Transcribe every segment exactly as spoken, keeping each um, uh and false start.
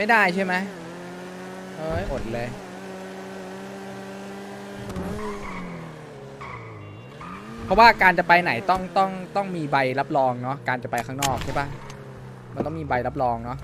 ไม่ได้ใช่ไหมเอ้ยอดเลยเพราะว่าการจะไปไหนต้องต้องต้องมีใบรับรองเนาะการจะไปข้างนอกใช่ปะมันต้องมีใบรับรองเนาะ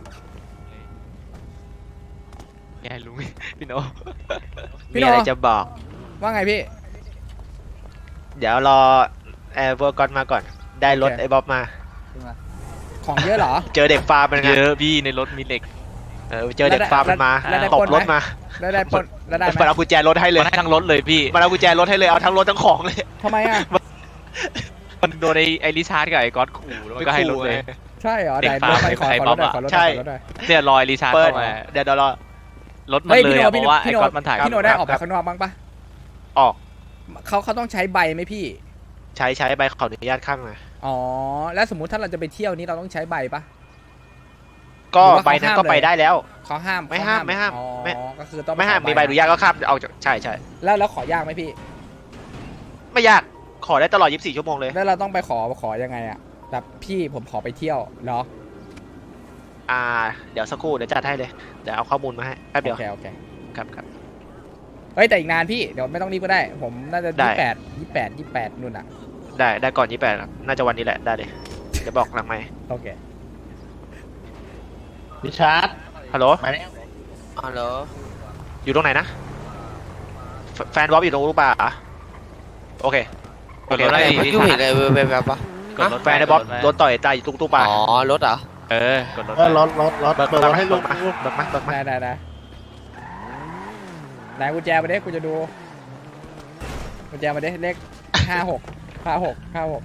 แย่ลุง พี่โนพี่มีโนอะไรจะบอกว่าไงพี่เดี๋ยวรอแอร์เวอร์กอนมาก่อนได้รถโอเคไอ้บ๊อบมาของเยอะเหรอเจอเด็กฟาร์มมันไงเยอะพี่ในรถมีเหล็กเออเจอเด็กฟาร์มมันมาแล้วได้ตปบล้นไหมรถมาแล้วได้ปล้นแล้วได้ไหมมันเอากุญแจรถให้เลยมันให้ทั้งรถเลยพี่มันเอากุญแจรถให้เลยเอาทั้งรถทั้งของเลยทำไมอ่ะมันโดนไอ้ไอริชาร์ดกับไอ้ก๊อตขู่แล้วมันก็ให้รถเลยใช่เหรอเด็กไหนฟาร์มรถไปขอไอ้ขอบ๊รอบถหน่อยอะขอรถหน่ใช่อยขอรถหน่อยเนี่ยรอยริชาร์ดเปิดเข้ามาเดี๋ยวเดี๋ยวรอรถมันเฮ้ยเลพี่ยโนอะเพพี่โนราะว่าไอ้พี่โนก๊อตมันถ่ายพี่โนได้ออกคไปรับข้างนอกบ้างปะออกเขาเขาต้องใช้ใบไหมพี่ใช้ใช้ใบขออนุญาตข้างมาอ๋อแล้วสมมุติถ้าเราจะไปเที่ยวนี้เราต้องใช้ใบปะก็หรือว่าใบเขานั้นห้ามก็ไปเลยได้แล้วเขาห้ามไม่เขห้ามไม่ห้ามอ๋อไม่ก็คือต้องปไม่ห้ามขมีใบอนุญาตก็ข้ามเอาจากใช่ใช่แล้วแล้วขอยากไหมพี่ไม่ยากขอได้ตลอดยี่สิบสี่ชั่วโมงเลยแล้วเราต้องไปขอขอยังไงอ่ะแบบพี่ผมขอไปเที่ยวเหรออ่าเดี๋ยวสักครู่เดี๋ยวจัดให้เลยเดี๋ยวเอาข้อมูลมาให้แป๊บเดียวโอเคโอเคครับครับเฮ้ยแต่อีกนานพี่เดี๋ยวไม่ต้องรีบก็ได้ ผมน่าจะได้ยี่แปดยี่แปดยี่แปดนู่นอ่ะได้ได้ก่อนยี่แปดน่าจะวันนี้แหละได้เลยเดี๋ยวบอกหลังไหมค์โอเคริชาร์ดฮัลโหลมาแล้วฮัลโหลอยู่ตรงไหนนะแฟแฟนบ๊อบอยู่ตรงรูปป่าเหรอโอเคกดรถไอ้ได้เมื่อริกี้ชาเห็ร์นดอะไรแบบแบบปะกดรถแฟนไอ้บ๊อบโดนต่อยตายอยู่ตรงตู้ป่าอ๋อ รถเหรอเออกดรถเออรถรถรถเบิกเปิดรถให้เบิลุกงมาเบิกมาเบิกมาได้ได้ได้ไหนกุญแจมาเด้กูจะดูกุญแจมาเด้เลขห้าหกห้าหกห้าหก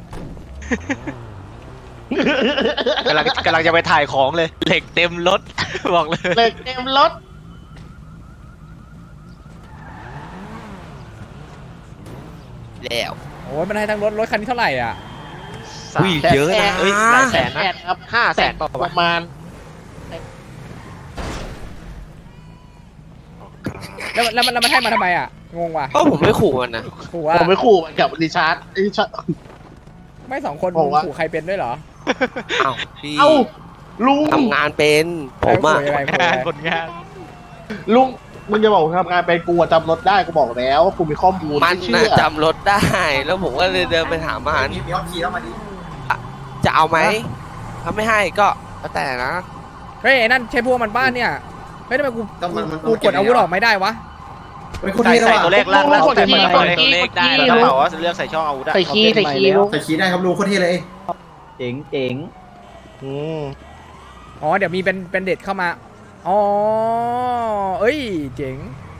กำลังกำลังจะไปถ่ายของเลยเหล็กเต็มรถ บอกเลยเหล็กเต็มรถแล้วโอ้ยมันให้ทั้งรถรถคันนี้เท่าไหร่อ่ะอุ้ยเยอะนะเอ้ยหลายแสนแสนะนครับห้าแสนปป่าววะระมาณแล้วแล้วมันแล้วมันให้มาทำไมอ่ะงงว่ะเพราะผมไม่ขู่มันนะขู่ว่าผมไปขู่มันกับริชาร์ดริชาร์ดไม่สองคนบอกว่าขู่ใครเป็นด้วยเหรออ้าวพี่เอ้าลุงทำงานเป็นผมอะขู่ยังไงขู่ยังไงคนงานลุงมึงจะบอกทำงานเป็นกูอะจำรถได้กูบอกแล้วว่ากูมีข้อมูลมันไม่เชื่น่ะอจำรถได้ แล้วผมก็เลยเดินไปถามมันจะเอาไหมถ้าไม่ให้ก็แล้วแต่นะเฮ้ยไอ้นั่นใช่พวกมันบ้านเนี่ยเฮ้ยทำไมกูต้องมันมันกูกดอาวุธออกไม่ได้วะเป็นคนใส่ที่ใส่ตัวเลขล่างล่างกดใส่คีย์ตัวกเลดขคีย์เลกขดได้คีย์กระลุงเป๋าว่าเลือกใส่ช่องอาวุธอะใส่คีย์ใส่คีย์ลุงใส่ขี้ได้ครับลุงโคตรเท่เลยเจ๋งเจ๋งอืมอ๋อเดี๋ยวมีเป็นเป็นเด็ดเข้ามาอ๋อเอ้ยเจ๋ง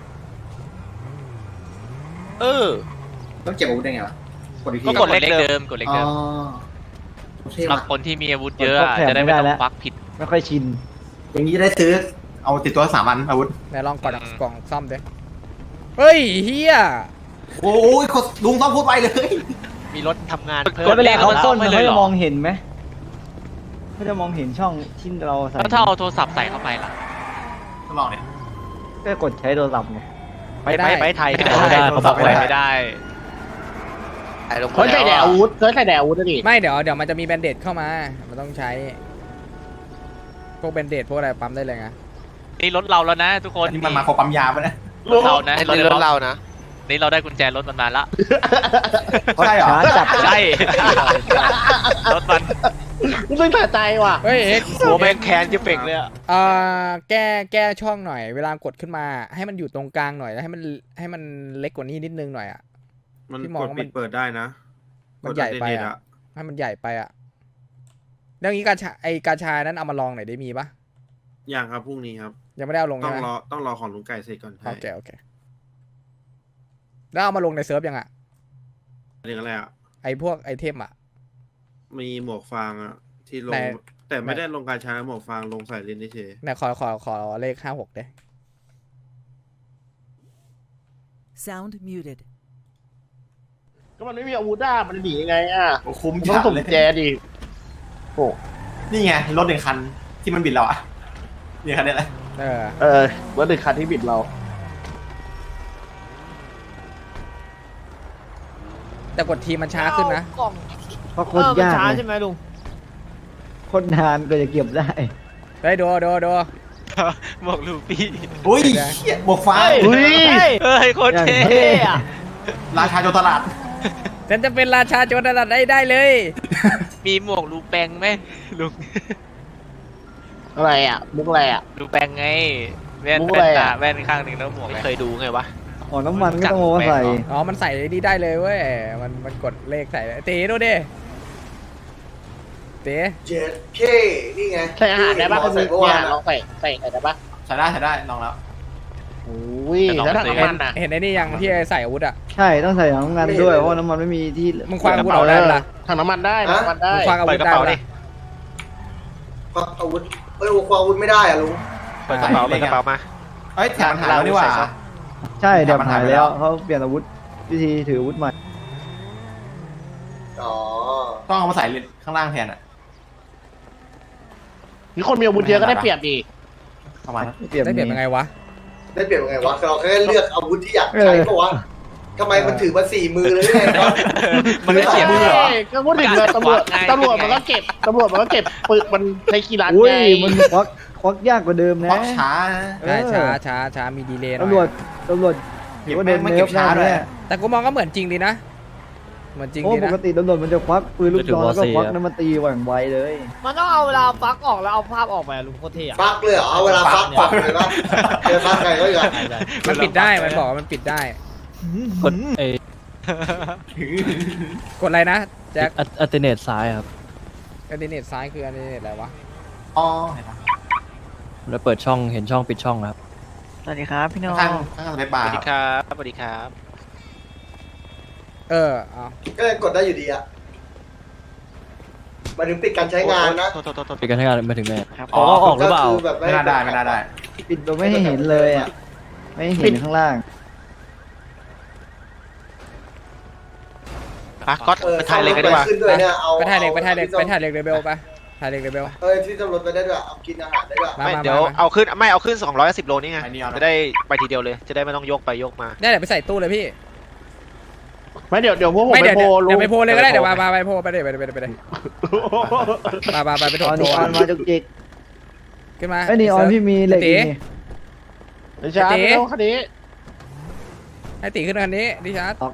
เออต้องเก็บอาวุธได้ไงวะกดอีกทีก็กดเลขเดิมกดเลขอ๋อเดิมเท่สำหรับว่ะคนที่มีอาวุธเยอะอะจะได้ไม่ต้องควักผิดไม่ค่อยชินอย่างนี้จะได้ซื้อเอาติดตัวสามอันอาวุธไหนลองกดอืมกล่องซ่อมดิเฮ้ยเฮียโอ้ยลุงต้องพูดไปเลยมีรถทำงานกเพิ่ดมเวลาเขาต้นไม่เขาเลยเหรจะอมองเห็นไหมเขาจะมองเห็นช่องที่เราใส่แล้วถ้าเอาโทรศัพท์ใส่เข้าไปล่ะทดลองเนี่ยก็กดใช้โทรศัพท์ไงไปไปไปไทยไม่ไม่ได้ได้เขาบอกไว้ไม่ได้ไอ้ลงเขาใส่แดดอาวุธเขาใส่แดดอาวุธนะดิไม่เดี๋ยวเดี๋ยวมันจะมีแบนเดดเข้ามามันต้องใช้พวกแบนเดดพวกอะไรปั๊มได้เลยไงนี่รถเราแล้วนะ ทุกคนนี่มันมาครบปั๊มยาปะเนี่ยรถเรานะไอ้รถรถเรานะนี่เราได้กุญแจรถมันมาละใช่เหรอช้าจับใช่รถมันมึงต้องสะใจว่ะเฮ้ยเอ็กซ์หัวแม่งแคนจะเป่งเลยอะเอ่อแก้แก้ช่องหน่อย เวลากดขึ้นมา ให้มันอยู่ตรงกลางหน่อยแล้วให้มันให้มันเล็กกว่านี้นิดนึงหน่อยอ่ะมันพี่มองกดว่ามัปินดเปิดได้นะมันใหญ่ไปกดอ่ะอะให้มันใหญ่ไปอ่ะเรื่องนี้กาชาไอกาชานั้นเอามาลองหน่อยได้มีปะอย่างครับพรุ่งนี้ครับยังไม่ได้เอาลงต้อใช่งไหมรอต้องรอของลุงไก่เสร็จก่อนโอเคโอเคแล้วเอามาลงในเซิร์ฟยังอ่ะเรื่องอะไรอ่ะไอพวกไอเทมอ่ะมีหมวกฟางอ่ะ ที่ลไหนง แต่ไม่ได้ลงการใช้หมวกฟางลงใส่เลนเฉยไหนขอขอขอเลขห้าหกเด้ Sound muted. ก็มันไม่มีอาวุธอ่ะมันหนียังไงอ่ะโอ้คุ้มต้องจัดส่งเลกุยญแจดิโอ้นี่ไงรถหนึ่งคันที่มันบิดเราอ่ะนี่คันนี้แหละเออเออรถหนึ่งคันที่บิดเราแต่กดทีมันช้าขึ้นนะเพราะโคตรยากช้าเลยใช่ไหมลุงโคตรนานก็จะเก็บได้เฮ้ยดูดูดูหมวกลูฟี่อุ้ยเหี้ยหมวกฟางอุ้ยเฮ้ยโคตรอย่างเท่เท่อะราชาโจรตลาดฉันจะเป็นราชาโจรสลัดได้ได้เลยมีหมวกลูแปงไหมลุงอะไรอ่ะมุกอะไรอ่ะลูแปงไงแว่นมุกแว่อะไรนอะตาแว่นข้างหนึ่งแล้วหมวกไม่อะไรเคยดูไงวะอ๋อน้ำมันก็ต้องเอามาใส่อ๋อมันใส่นี่ได้เลยเว้ยมันมันกดเลขใส่เลยเต๋ดูดิเต๋เจ็ดเคนี่ไงใส่อาหารได้ป่ะที่ใส่หมอใส่เมื่อวานลองใส่ใส่ใส่ได้ป่ะใช้ได้ใช้ได้ลองแล้วอุ้ยแล้วถังน้ำมันอ่ะเห็นไอ้นี่ยังที่ใส่อาวุธอ่ะใช่ต้องใส่น้ำมันด้วยเพราะว่าน้ำมันไม่มีที่มึงคว้างอาวุธเอาได้ปะล่ะถังน้ำมันได้ถังน้ำมันได้มึงคว้างอาเปิวุดธกระได้เป๋าปะดิล่ะควักอาวุธเอ้ยควักอาวุธไม่ได้อะลุงเปิดกระเป๋าเปิดกระเป๋ามาเอ้ยแถมมันหายแล้วนี่หว่าใช่เดี๋ยวมันหาหายยไปแล้แล้ววเขาเปลี่ยนอาวุธวิธีถืออาวุธใหม่อ๋อต้องเอามาใส่ข้างล่างแทนอ่ะมีคนมีอาวุธเยอะก็ได้เปรียบดีประมาณนั้นเปลี่ยนได้เปลี่ยนยังไงวะได้เปลี่ยนยังไงวะเราแค่เลือกอาวุธที่อยากเอใช้อปะวะทำไมมันถือมาสี่มือเลยไงวะมันไม่เสียบเฮ้มือเหรอยก็พูดถึงเลยตำรวจไงตำรวจมันก็เก็บตำรวจมันก็เก็บปึกมันใช้กีฬาอุ้ยไงมันควักควักยากกว่าเดิมคนะวักช้านะใช่ช้าช้าช้ามีดีเลย์หน่อยตำรวจตำรวจถือว่าโดนไม่เนิเก็ร์บฟช้าแน่ด้วยแน่แต่กูมองก็เหมือนจริงดีนะ เหมือนจริงโอ้ดีปนะกติตำรวจมันจะควักปืนลูกซองแล้วก็ควักน้ำมันตีหว่างไวเลยมันต้องเอาเวลาฟักออกแล้วเอาภาพออกมาลุงโคตรเท่อะฟักเลยเหรอเอาเวลาฟักฟักเลยปะเจอฟักใครก็อย่างมันปิดได้มันบอกว่ามันปิดได้กดเอกดอะไรนะแจ็คอัลเทอร์เนทซ้ายครับอันดิเนตซ้ายคืออันดิเนตอะไรวะอ๋อเห็นปะแล้วเปิดช่องเห็นช่องปิดช่องครับสวัสดีครับพี่น้องข้างข้างสเปซบาสร์วัสดีครับสวัสดีครับเออเอาก็ยังกดได้อยู่ดีอะหมายถึงปิดการใช้งานนะโทษโทษโทษโทษปิดการใช้งานมาถึงไหนอ๋อเอาออกหรือเปล่าก็คืแบบไม่น่าได้ไม่น่าได้ปิดโดยไม่ให้เห็นเลยอ่ะไม่ให้เห็นข้างล่างอ่ะก็ออไปถ่ายเลยกันดีกว่าขึ้นด้วยเนี่ยเอาไปถ่ายเล็กไปถ่ายเล็กอไปถ่ายเล็กเรเบลไปถ่ายเล็กเรเบลเอ้ยที่ตำรวจไปได้ด้วยเอากินอาหารได้ด้วยมาไม่มาเดี๋ยวมาเอาขึ้นไม่เอาขึ้นสองร้อยสิบโลนี่ไงอันนี้เอานะจะได้ไปทีเดียวเลย จะได้ไม่ต้องยกไปยกมาได้เดี๋ยวไปใส่ตู้เลยพี่ไม่เดี๋ยวเดี๋ยวพวกผมไม่ไปเดี๋ยวโพลเดี๋ยวไปโพลเลยก็ได้เดี๋เดี๋ยยว วไปมามาไปโพลไปเลยไปเลยไปเลยไปเลยมามาไปไปอถอมนโพลออนมาจุกจิกขึ้นมาไอ้ยนี่ออนพี่มีเหล็กตีอีกนี่เดี๋ยวช้าเต๋ไม่ต้องคันนี้ให้ตีขึ้นคันนี้ดิชาร์ด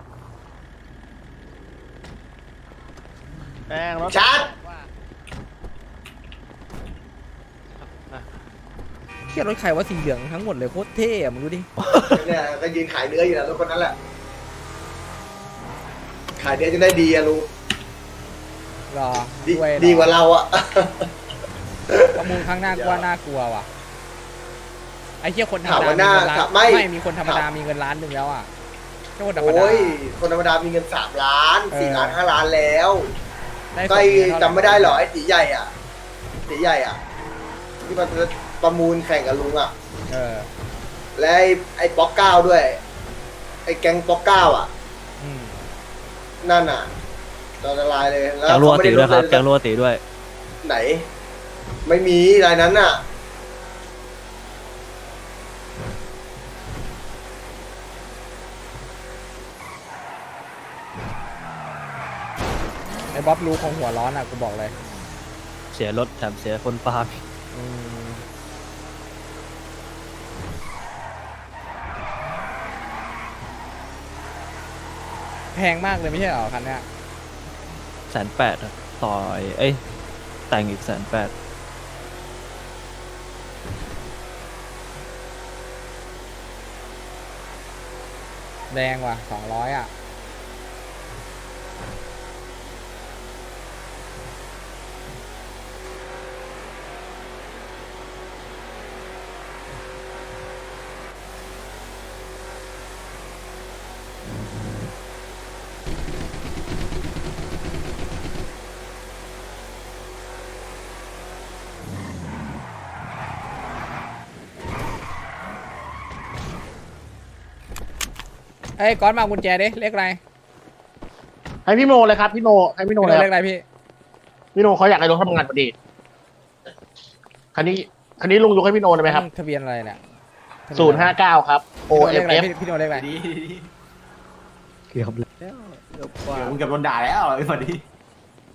แป้งรถชาร์จเที่ยรถใครว่าสีเหลืองทั้งหมดเลยโคตรเท่อะมึงดูดิเนี่ยก็ยืนขายเนื้ออยู่นะรถคนนั้นแหละ ขายเนื้อจะได้ดีอะลุงรอดีด้วยดีกว่าเราอะประมูลครั้งหน้ากูว่าน่ากลัวว่ะไอ้เที่ยคนธรรถามมดาว่าหน้ามีเงินล้านถามไม่ไม่มีคนธรรมดามีเงินล้านหนึ่งแล้วอ่ะแค่คนธรรมดาโอ้ย คนธรรมดามีเงินสามล้านสี่เออล้านห้าล้านแล้วได้ก็สไอ้เงินเท่าหร่จำไม่ได้หรอไอ้ตีใหญ่อ่ะตีใหญ่อ่ะ ที่มันประมูลแข่งกับลุงอ่ะเออและไอ้ไอ้ป๊อกเก้าด้วย ไอ้แก๊งป๊อกเก้าอ่ะอืมนั่นอ่ะเราละลายเลยแล้วแกงรัวเขาไม่ตีได้ด้วยครับลแกงรัวตีด้วยไหน ไม่มีรายนั้นอ่ะไอ้บ๊อบรู้ของหัวร้อนอ่ะกูบอกเลยเสียรถแถมเสียคนฟาร์มอืมแพงมากเลยไม่ใช่เหรอคันเนี้ยแสนแปดต่อไอ้เอ้ยแต่งอีกแสนแปดแดงว่ะสองร้อยอ่ะเอ้ยก้อนมาเอากุญแจดิเลขอะไรให้พี่โนเลยครับพี่โนให้พี่โนพี่เลยโนคเลรัขบอะไรพี่พี่โนเขาอยากให้รถทำงานพอดีคันนี้คันนี้ลุงยกให้พี่โนได้ไหมครับทะเบียนอะไรเนี่ยศูนย์ห้าเก้าครับ O พี่โนเล F ขอะไร F พี่พี่โนเลขอะไรดีเกือบแล้วเกือบกว่าเดี๋ยวมึงเกับโดนด่าแล้วไอ้พอดี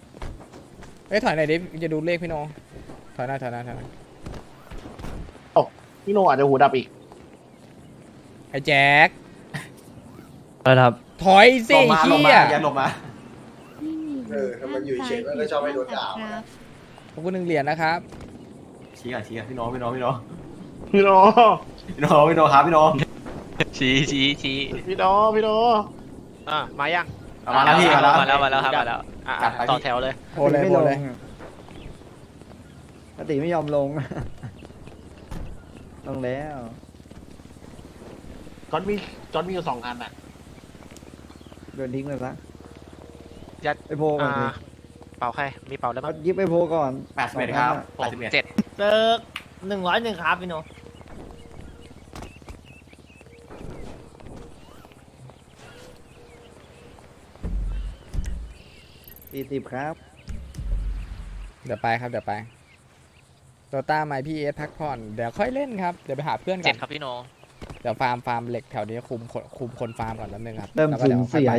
เอ้ยถอยหน่อยดิจะดูเลขพี่โนถอยหน้าถอยหน้าถอยหน้าพี่โนอาจจะหูดับอีกไอ้แจ็คอะไรนะครับถอยลสิงมาลงเฮีมาย อย่าลงมาเออถ้ามันอยู่เฉยมันก็ชอบให้โดนด่าขอบคุณหนึ่งเหรียญนะครับชี้อ่ะชี้อ่ะพี่โน้พี่โน้พี่โน้พี่โนพี่โน้พี่โน้ครับพี่โน้ชี้ชี้ชี้พี่โนพี่โนอ่ะมายังเอามาแล้วพี่มาแล้วมาแล้วมาแล้วครับมาแล้วอ่ะจัดไปต่อแถวเลยโพเลยไม่โพลงเลยปกติไม่ยอมลง ลงแล้วจอนมีจอนมีอยู่สองอันอ่ะโดนทิ้งไปซะยัดไปโพลก่อนอ่าสิเป่าใครมีเป่าแล้วเอามั้งยิบไปโพลก่อนแปดสิบเอ็ดครับหแปดกสิบเอ็ดเจ็ดเซิร์กหนึ่งร้อยหนึ่งครับพี่โนสี่สิบครับเดี๋ยวไปครับเดี๋ยวไปโตต้าไมพี่เอสพักผ่อนเดี๋ยวค่อยเล่นครับเดี๋ยวไปหาเพื่อนก่เจ็อดนครับพี่โนเดี๋ยวฟาร์มฟาร์มเหล็กแถวนี้คุมคนคุมคนฟาร์มก่อนแป๊บนึงครับเริ่มแล้วก็สูดี๋ยวญค่อเสียไป